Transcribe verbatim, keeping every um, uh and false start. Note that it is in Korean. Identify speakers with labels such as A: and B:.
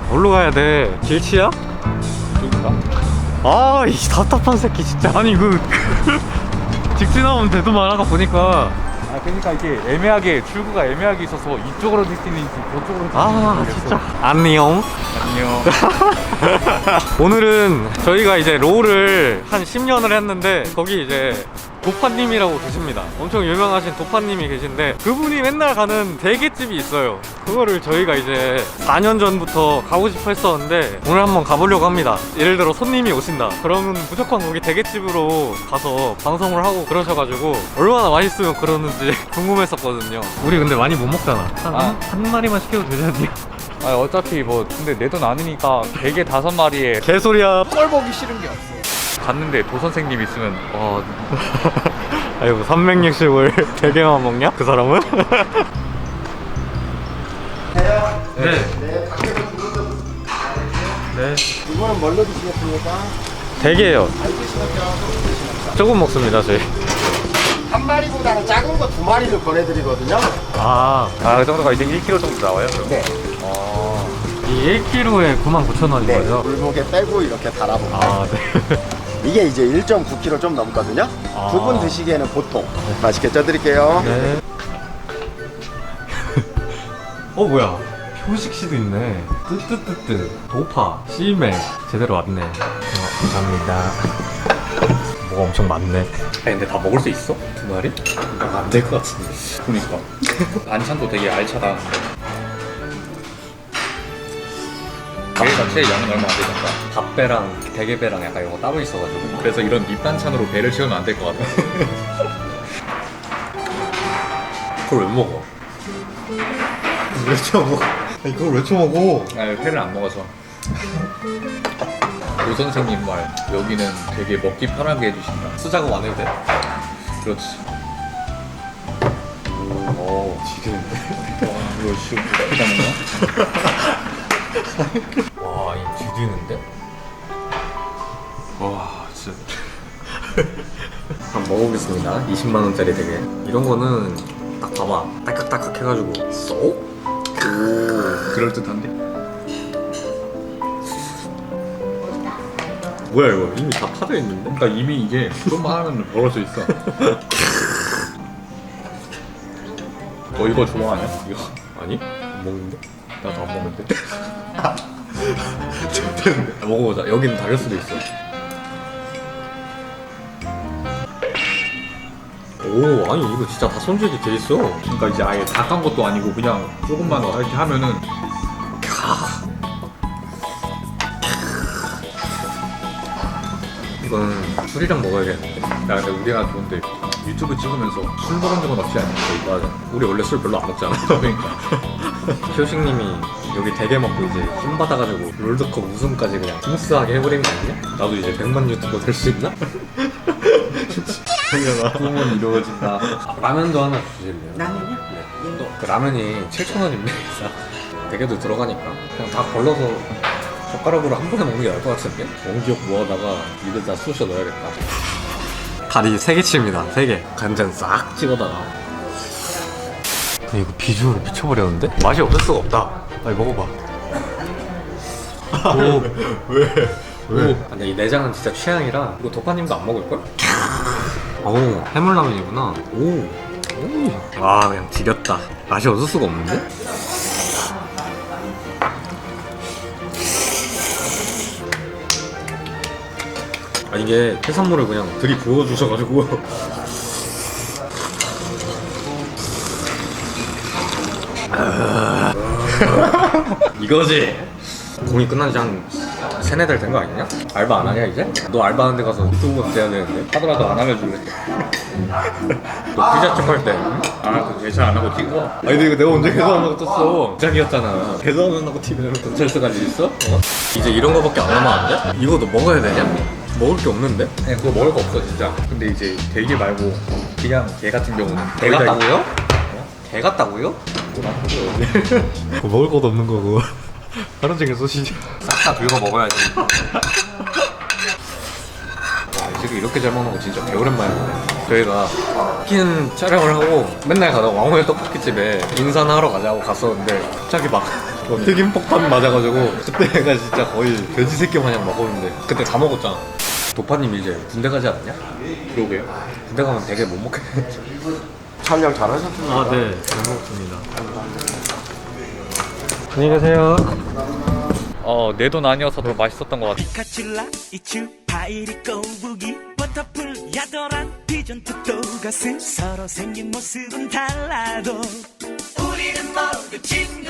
A: 어디로 가야 돼? 길치야?
B: 누군가?
A: 아, 이 답답한 새끼 진짜. 아니 그 직진하면 되더만 아까 보니까.
B: 아 그러니까 이게 애매하게 출구가 애매하게 있어서 이쪽으로 될 수 있는지 저쪽으로 될수
A: 아
B: 있는지
A: 진짜. 안녕.
B: 안녕.
A: 오늘은 저희가 이제 롤을 한 십 년을 했는데 거기 이제 도파님이라고 계십니다. 엄청 유명하신 도파님이 계신데 그분이 맨날 가는 대게집이 있어요. 그거를 저희가 이제 사 년 전부터 가고 싶어 했었는데 오늘 한번 가보려고 합니다. 예를 들어 손님이 오신다 그러면 무조건 거기 대게집으로 가서 방송을 하고 그러셔가지고 얼마나 맛있으면 그러는지 궁금했었거든요. 우리 근데 많이 못 먹잖아. 한,
B: 아.
A: 한 마리만 시켜도 되지 않냐?
B: 아 어차피 뭐 근데 내 돈 아니니까 대게 다섯 마리에
A: 개소리야.
B: 꼴 보기 싫은 게 없어. 갔는데 도 선생님 있으면 와
A: 아이고 삼백육십을 대게만 먹냐? 그 사람은? 네.
C: 네, 밖에서 주문도
A: 네.
C: 이거는 뭘로 드시겠습니까?
A: 대게요.
C: 알겠습니까?
A: 조금 먹습니다 저희.
C: 한 마리보다는 작은 거 두 마리를 보내드리거든요.
A: 아,
B: 아 그 정도가 이제 일 킬로그램 정도 나와요? 그럼?
C: 네.
B: 어...
A: 이 일 킬로그램에 구만 구천 원인
C: 네.
A: 거죠?
C: 골목에 빼고 이렇게 달아볼게요.
A: 아, 네.
C: 이게 이제 일 점 구 킬로그램 좀 넘거든요.
A: 아.
C: 두 분 드시기에는 보통. 맛있게 쪄드릴게요.
A: 네. 어, 뭐야? 표식시도 있네. 뜨뜨뜨뜨. 도파. 씨맥. 제대로 왔네. 어, 감사합니다. 뭐가 엄청 많네. 아니, 근데 다 먹을 수 있어? 두 마리? 안 될 것 같은데.
B: 그러니까 반찬도 되게 알차다. 대게 자체 양은 얼마 안 되니까
A: 밥배랑 대게배랑 약간 이거 따로 있어가지고.
B: 그래서 이런 밑반찬으로 배를 채우면 안 될 것 같아.
A: 그걸 왜 먹어? 왜 쳐먹어? 아니, 그걸 왜 쳐먹어?
B: 아 회를 안 먹어서. 도 선생님 말 여기는 되게 먹기 편하게 해주신다.
A: 수작업 안 해도 돼?
B: 그렇지.
A: 오, 지겠는데?
B: 와 이거 지금 어떻게 먹나?
A: 와, 이 뒤지는데?
B: 와 진짜.
A: 한번 먹어보겠습니다. 이십만 원짜리 되게. 이런 거는 딱 봐봐. 딸깍딸깍 해가지고 쏙?
B: 그럴 듯한데?
A: 뭐야 이거? 이미 다 파져 있는데?
B: 그러니까 이미 이게 그것만 하면 벌어져 있어. 너 이거 좋아하냐? 이거
A: 아니? 안 먹는데?
B: 나도 안 먹는데.
A: 먹어보자. 여기는 다를 수도 있어. 오, 아니 이거 진짜 다 손질이 돼 있어.
B: 그러니까 이제 아예 다 깐 것도 아니고 그냥 조금만 이렇게 하면은
A: 이건 술이랑 먹어야겠는데.
B: 야 근데 우리가 좋은데 유튜브 찍으면서 술 먹은 적은 없지 않냐?
A: 맞아. 우리 원래 술 별로 안 먹잖아.
B: 그러니까
A: 효식님이 여기 대게 먹고 이제 힘 받아가지고 롤드컵 우승까지 그냥 스무스하게 해버린 거 아니냐? 나도 이제 백만 유튜버 될 수 있나? 당연하.
B: 꿈은 이루어진다.
A: 라면도 하나 주실래요?
D: 라면요?
A: 네. 그 라면이 칠천 원인데 대게도 들어가니까 그냥 다 걸러서 젓가락으로 한 번에 먹는 게 나을 것 같은데? 원기역 모아다가 입에다 쑤셔 넣어야겠다. 다리 세 개 칩니다. 세 개. 간장 싹 찍어다가. 이거 비주얼을 미쳐버렸는데? 맛이 없을 수가 없다. 빨리 먹어봐. 오. 왜? 왜? 근데 이 내장은 진짜 취향이라 이거 도파님도 안 먹을걸? 오, 해물라면이구나. 오. 오. 아, 그냥 지렸다. 맛이 없을 수가 없는데? 아, 이게 해산물을 그냥 들이부어 주셔가지고 이거지. 공이 끝난 지 한 세네 달 된 거 아니냐? 알바 안 하냐 이제? 너 알바하는 데 가서 유튜브 돼야 되는데.
B: 하더라도 안 알려줄래.
A: 너 피자집 할 때.
B: 아, 그 계산 안 하고 찍어.
A: 아니 근데 이거 내가 언제 계산한다고 떴어? 시작이었잖아. 계산한다고 티비에 경찰서까지 있어? 어? 이제 이런 거밖에 안 남았는데? 이거 너 먹어야 되냐? 먹을 게 없는데?
B: 그냥 그거 먹을 거 없어 진짜. 근데 이제 대게 말고 그냥 게 같은 경우는
A: 개
B: 거의 다
A: 같다고요? 어? 개 같다고요? 먹을 것도 없는 거고 하루 종일 소시지 싹 다 긁어 먹어야지. 와, 지금 이렇게 잘 먹는 거 진짜 개오랜만이네. 저희가 치킨 촬영을 하고 맨날 가다가 왕호의 떡볶이집에 인사나 하러 가자고 갔었는데 갑자기 막 뭐 튀김 폭탄 맞아가지고 그때가 진짜 거의 돼지 새끼 마냥 먹었는데 그때 다 먹었잖아. 도파님 이제 군대 가지 않았냐?
B: 그러게요.
A: 군대 가면 되게 못 먹겠네.
C: 촬영 잘하셨습니다.
A: 아, 네. 잘 먹었습니다. 안녕히 계세요.
B: 어, 내 돈 아니어서 더 맛있었던 것 같아.
D: 피카츄라 이츄 파이리 꼬부기 워터풀 야도란 피전 툭도 가슴 서로 생긴 모습은 달라도 우리는 모두 친구